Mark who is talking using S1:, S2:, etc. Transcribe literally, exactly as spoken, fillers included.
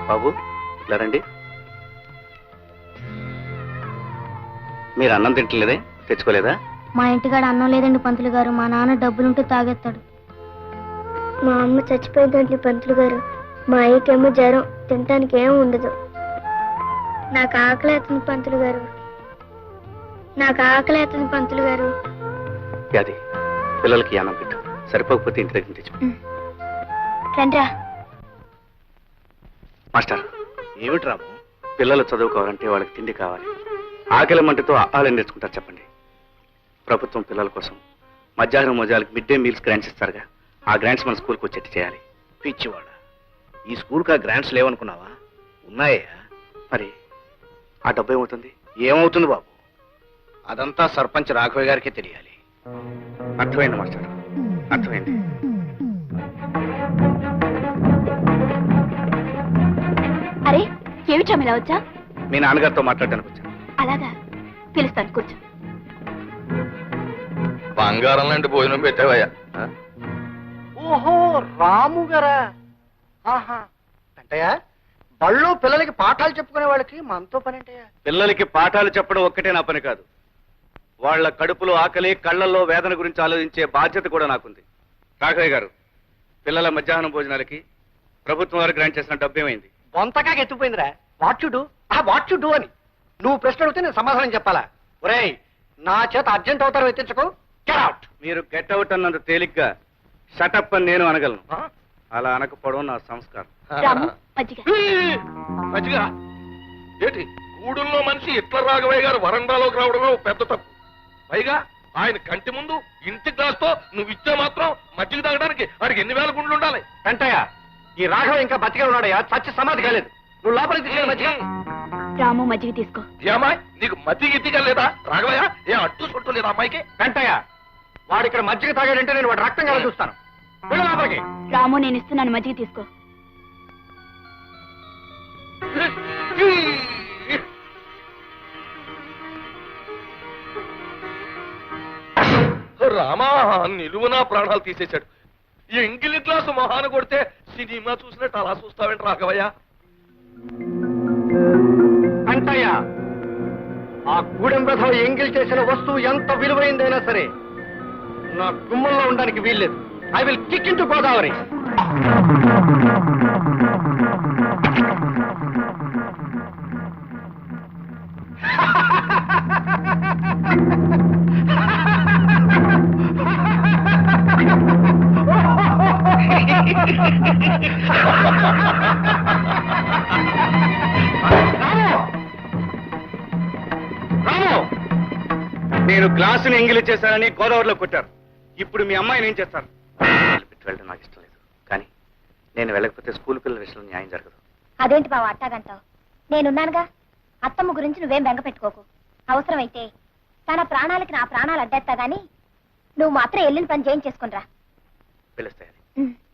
S1: బాబు ఇలా రండి. మీరు అన్నం తింటలేదే, తెచ్చుకోలేదా?
S2: మా ఇంటికాడ అన్నం లేదండి పంతులు గారు. మా నాన్న డబ్బులుంటే తాగేస్తాడు. మా అమ్మ చచ్చిపోయిందండి పంతులు గారు. మా అయ్యకేమో జ్వరం, తినటానికి ఏం ఉండదు. నాకు ఆకలి అవుతుంది పంతులు గారు. నాకు ఆకలి అవుతుంది పంతులు గారు.
S1: అది పిల్లలకి అన్నం పెట్టు, సరిపోకపోతే ఇంటి దగ్గర తెచ్చు.
S2: రండ్రా.
S1: మాస్టర్, ఏమిటి రాము? పిల్లలు చదువుకోవాలంటే వాళ్ళకి తిండి కావాలి. ఆకలి మంటతో ఆహారం నేర్చుకుంటారు చెప్పండి. ప్రభుత్వం పిల్లల కోసం మధ్యాహ్నం మోజాలకు మిడ్ డే మీల్స్ గ్రాంట్స్ ఇస్తారుగా, ఆ గ్రాంట్స్ మన స్కూల్కి వచ్చేట్టు చేయాలి.
S3: పిచ్చివాడ, ఈ స్కూల్కి ఆ గ్రాంట్స్ లేవనుకున్నావా? ఉన్నాయా?
S1: మరి ఆ డబ్బు ఏమవుతుంది?
S3: ఏమవుతుంది బాబు, అదంతా సర్పంచ్ రాఘవయ్య గారికే తెలియాలి.
S1: అర్థమైంది మాస్టర్, అర్థమైంది.
S2: అరే ఏమిటా ఇలా వచ్చా?
S1: మీ నాన్నగారితో మాట్లాడడానికి వచ్చాను.
S2: అలాగా, పిలుస్తాను, కూర్చో.
S4: బంగారం లాంటి భోజనం పెట్టావయ్యా.
S3: ఓహో, రాము గారా? ఆహా, అంటయ్యా బళ్ళు పిల్లలకి పాఠాలు చెప్పుకునే వాళ్ళకి మనతో పని అంటయ్యా.
S1: పిల్లలకి పాఠాలు చెప్పడం ఒక్కటే నా పని కాదు, వాళ్ళ కడుపులో ఆకలి, కళ్ళల్లో వేదన గురించి ఆలోచించే బాధ్యత కూడా నాకుంది. రాఘవయ్య గారు, పిల్లల మధ్యాహ్నం భోజనాలకి ప్రభుత్వం వారు గ్రాంట్ చేసిన డబ్బు ఏమైంది?
S3: బొంతగా ఎత్తుకుపోయిందిరా. వాట్ యు డూ, ఆ వాట్ యు డూ అని నువ్వు ప్రశ్న అడిగితే నేను సమాధానం చెప్పాలా? ఒరేయ్, నా చేత అర్జెంట్ అవుతారు ఎత్తించకు. Get out.
S1: మీరు గెట్ అవుట్ అన్నంత తేలిగ్గా షటప్ అని నేను అనగలను. అలా అనకపోవడం నా సంస్కారం.
S4: మజ్జిగ ఏంటి? గూడుల్లో మనిషి ఇట్ల రాఘవయ్య గారు వరండాలోకి రావడమే పెద్ద తప్పు. పైగా ఆయన కంటి ముందు ఇంటి గ్లాస్తో నువ్వు ఇచ్చే మాత్రం మజ్జిగ తాగడానికి వాడికి ఎన్ని వేల గుండ్లు ఉండాలి?
S3: వెంటయ్య, ఈ రాఘవ ఇంకా బతికే ఉన్నాడయ్యా, చచ్చి సమాధి కాలేదు. నువ్వు లోపలికి తీసుకెళ్ళి మజ్జిగ.
S2: రాము మజ్జిగ తీసుకో.
S4: ఏమాయ్, నీకు మజ్జిగ ఇట్టిగా లేదా రాఘవయ్య? ఏ అట్టు సొట్టు లేదా అమ్మాయికి?
S3: వెంటయ్య, వాడు ఇక్కడ మజ్జిగ తాగాడంటే నేను వాడు రక్తం కల చూస్తాను. వెళ్ళు లోపలికి.
S2: రాము, నేను ఇస్తున్నాను, మజ్జిగ తీసుకో.
S4: రామా, నిలువునా ప్రాణాలు తీసేశాడు. ఈ ఎంగిలి గ్లాసు మొహాన కొడితే సినిమా చూసినట్టు అలా చూస్తావేంటి రాఘవయ్య?
S3: అంటయ్య, ఆ గూడెం రథం ఎంగిల్ చేసిన వస్తువు ఎంత విలువైందైనా సరే నా గుమ్మంలో ఉండడానికి వీల్లేదు. I will kick in to Godavari.
S1: నేను గ్లాసుని ఎంగిలి చేశానని గోదావరిలో కొట్టారు. ఇప్పుడు మీ అమ్మాయిని ఏం చేస్తారు? వెళ్ళడం నాకు ఇష్టం లేదు, కానీ నేను వెళ్ళకపోతే స్కూల్ పిల్లల విషయంలో న్యాయం జరగదు.
S2: అదేంటి బావ అట్టాగంటావు? నేనున్నానుగా. అత్తమ్మ గురించి నువ్వేం బెంగ పెట్టుకోకు. అవసరమైతే తన ప్రాణాలకి నా ప్రాణాలు అడ్డేస్తా గాని నువ్వు మాత్రం వెళ్ళిన పని చేయించేసుకునిరా.
S1: పిలుస్తాయని